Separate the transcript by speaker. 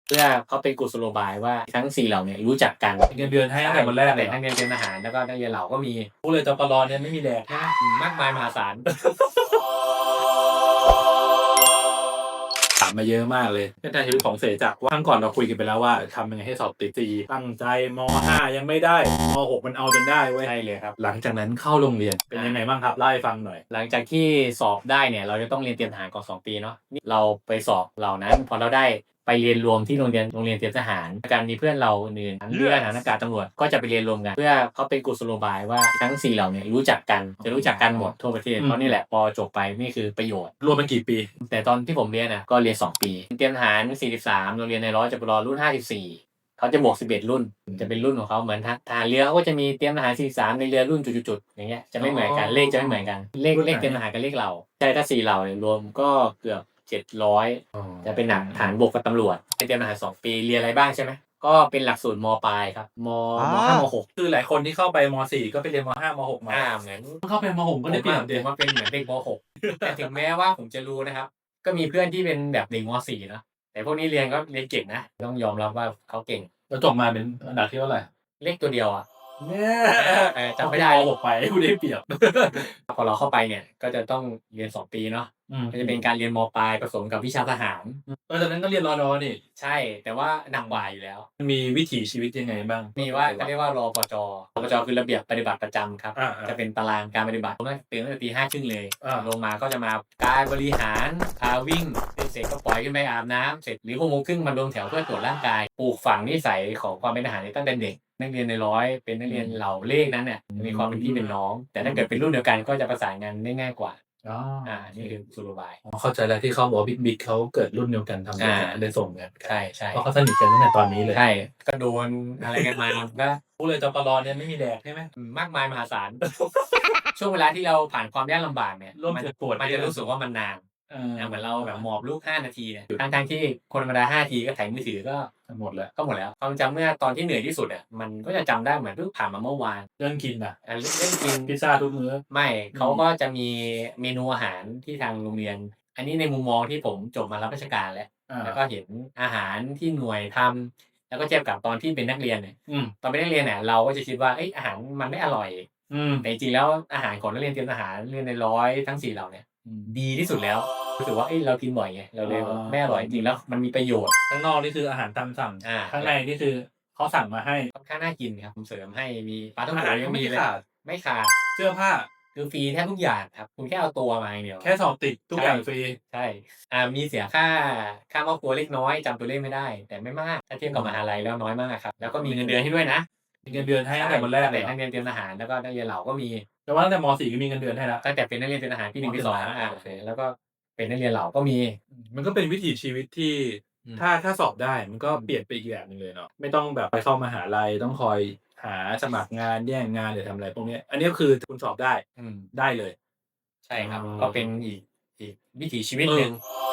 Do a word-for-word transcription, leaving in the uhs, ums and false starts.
Speaker 1: เพื่อเขาเป็นกุศโลบายว่าทั้งสี่เหล่าเนี่ยรู้จักกัน
Speaker 2: เงินเดือนให้ตั้งแต่วันแรกเลย
Speaker 1: ทั้งเงินเดือนทหารแล้วก็นักเรียนเหล่าก็มี
Speaker 2: พูดเลยจปรเนี่ยไม่มีแดกใช่ไหม
Speaker 1: มากมายมหาศาล
Speaker 2: ถามมาเยอะมากเลยเส้นทางชีวิตของเสจักรว่าครั้งก่อนเราคุยกันไปแล้วว่าทำยังไงให้สอบติดสี่ตั้งใจมห้ายังไม่ได้มหกมันเอาจนได้เว้ย
Speaker 1: ใช่เลยครับ
Speaker 2: หลังจากนั้นเข้าโรงเรียนเป็นยังไงบ้างครับเล่าให้ฟังหน่อย
Speaker 1: หลังจากที่สอบได้เนี่ยเราจะต้องเรียนเตรียมทหารก่อนสองปีเนาะเราไปสอบเหล่านั้นพอเราได้ไปเรียนรวมที่โรงเรียนโรงเรียนเตรียมทหารการมีเพื่อนเราอื่นเรือทหารอากาศตำรวจก็จะไปเรียนรวมกันเพื่อเขาเป็นกุศโลบายว่าทั้งสี่เหล่าเนี่ยรู้จักกันจะรู้จักกันหมดทั่วประเทศเพราะนี่แหละพอจบไปนี่คือประโยชน์
Speaker 2: รวมเป็นกี่ปี
Speaker 1: แต่ตอนที่ผมเรียนนะก็เรียนสองปีเตรียมทหารสี่สิบสามโรงเรียนในร้อยจปรรุ่นห้าสิบสี่เขาจะบวกสิบเอ็ดรุ่นจะเป็นรุ่นของเขาเหมือนทหารเรือเขาก็จะมีเตรียมทหารสี่สิบสามในเรือรุ่นจุดๆๆอย่างเงี้ยจะไม่เหมือนกันเลขจะไม่เหมือนกันเลขเลขเตรียมทหารกับเลขเราใช่ถ้าสี่เหล่าเนี่ยรวมก็เกือบเจ็ดร้อยจะเป็นหนักฐานบกกับตำรวจเตรียมทหารสองปีเรียนอะไรบ้างใช่ไหมก็เป็นหลักสูตรมปลายครับมมห้ามหก
Speaker 2: คือหลายคนที่เข้าไปมสี่ก็ไปเรียนมห้ามหกมา
Speaker 1: อ่าเหมือน
Speaker 2: เข้าไปมหกก็ได้เปรียบ
Speaker 1: เด็กว่าเป็นเหมือนเด็กมหกแต่ถึงแม้ว่าผมจะรู้นะครับก็มีเพื่อนที่เป็นแบบเด็กมสี่เนาะแต่พวกนี้เรียนก็เรียนเก่งนะต้องยอมรับว่าเขาเก่ง
Speaker 2: แล้วจบมาเป็นอันดับที่เท่าไหร่
Speaker 1: เลขตัวเดียวอ่ะ
Speaker 2: เนี่ย
Speaker 1: จำไม่ได้
Speaker 2: มหกไปกูได้เปรียบ
Speaker 1: พอเราเข้าไปเนี่ยก็จะต้องเรียนสองปีเนาะก็จะเป็นการเรียนมปลายผสมกับวิชาทหาร
Speaker 2: เออตอนนั้นก็เรียนรอดอนี่
Speaker 1: ใช่แต่ว่าหนักกว่าอยู่แล้ว
Speaker 2: มีวิถีชีวิตยังไงบ้าง
Speaker 1: มีว่าเขาเรียกว่ารปจรปจคือระเบียบปฏิบัติประจำครับจะเป็นตารางการปฏิบัติผมตื่นตั้งแต่ตีห้าครึ่งเลยลงมาก็จะมาการบริหารพาวิ่งเสร็จก็ปล่อยขึ้นไปอาบน้ำเสร็จหรือหกโมงครึ่งมารวมแถวเพื่อตรวจร่างกายปลูกฝังนิสัยของความเป็นทหารตั้งแต่เด็กนักเรียนในร้อยเป็นนักเรียนเหล่าเลขนั้นเนี่ยมีความเป็นพี่เป็นน้องแต่ถ้าเกิดเป็นรุ่นเดียวกันก็จะประสานงานได้ง่ายกว่า
Speaker 2: อ๋อ
Speaker 1: อ่านี่คือสุโลบาย
Speaker 2: เข้าใจแล้วที่เขาบอกบิ๊กบิ๊กเขาเกิดรุ่นเดียวกันทำด้วยกันเลยส่งกัน
Speaker 1: ใช่ใช่
Speaker 2: เพราะเขาสนิทกันตั้งแต่ตอนนี้เลย
Speaker 1: ใช่ก็โดนอะไรกันมาก็
Speaker 2: พูดเลยจปรเนี่ยไม่มีแดกใช่ไหม
Speaker 1: มากมายมหาศาลช่วงเวลาที่เราผ่านความยากลำบากเนี่ย
Speaker 2: ร่วมเจ็บปวด
Speaker 1: มันจะรู้สึกว่ามันนานเหมือนเราแบบหมอบลูกห้านาทีเนี่ยทั้งๆที่คนธรรมดาห้านาทีก็ถ่ายมือถือก็
Speaker 2: หมดแล้ว
Speaker 1: ก็หมดแล้วความจำเมื่อตอนที่เหนื่อยที่สุดอ่ะมันก็จะจำได้เหมือนเพิ่งผ่านมาเมื่อวาน
Speaker 2: เรื่องกินอ่ะ
Speaker 1: เรื่องกิน
Speaker 2: พิซซ่าทุกมื้อ
Speaker 1: ไม่เขาก็จะมีเมนูอาหารที่ทางโรงเรียนอันนี้ในมุมมองที่ผมจบมารับราชการแล้วแล้วก็เห็นอาหารที่หน่วยทำแล้วก็เทียบกับตอนที่เป็นนักเรียนเนี่ยตอนเป็นนักเรียนเนี่ยเราก็จะคิดว่าอาหารมันไม่อร่อยแต่จริงๆแล้วอาหารของนักเรียนเตรียมทหารเรียนในร้อยทั้งสี่เหล่าเนี่ยดีที่สุดแล้วรู้สึกว่าเรากินบ่อยไงเราเลยไม่อร่อยจริงแล้วมันมีประโยชน์
Speaker 2: ข้างนอกนี่คืออาหารตามสั่งข้างในนี่คือเขาสั่งมาให้
Speaker 1: ค่อนข้างน่ากินครับผมเสริมให้มีปลาท่องโก
Speaker 2: ยัง
Speaker 1: มี
Speaker 2: เลย
Speaker 1: ไม่ขาด
Speaker 2: เสื้อผ้า
Speaker 1: คือฟรีแทบทุกอย่างครับคุณแค่เอาตัวมาอย่างเดียว
Speaker 2: แค่สอบติดทุกอย่างฟรี
Speaker 1: ใช่อ่ามีเสียค่าค่ามอบตัวเล็กน้อยจำตัวเลขไม่ได้แต่ไม่มากถ้าเทียบกับมหาลัยแล้วน้อยมากครับแล้วก็มีเงินเดือนให้ด้วยนะ
Speaker 2: มีเงินเดือนให้ตั้งแต่วันแรกเลย
Speaker 1: นักเรียนเตรียมทหารแล้วก็นักเรียนเหล่าก็มี
Speaker 2: แต่ว่าตั้งแต่มสี่ก็มีเงินเดือนให้แล้ว
Speaker 1: ตั้งแต่เป็นนักเรียนเตรียมทหารปีหนึ่งปีสองอ่าโอเคแล้วก็เป็นนักเรียนเหล่าก็มี
Speaker 2: มันก็เป็นวิถีชีวิตที่ถ้าถ้าสอบได้มันก็เปลี่ยนไปอีกแบบนึงเลยเนาะไม่ต้องแบบไปเข้ามหาลัยต้องคอยหาสมัครงานแย่งงานหรือทำอะไรพวกนี้อันนี้คือคุณสอบได้ได้เลย
Speaker 1: ใช่ครับก็เป็นอีกอีกวิถีชีวิตหนึ่ง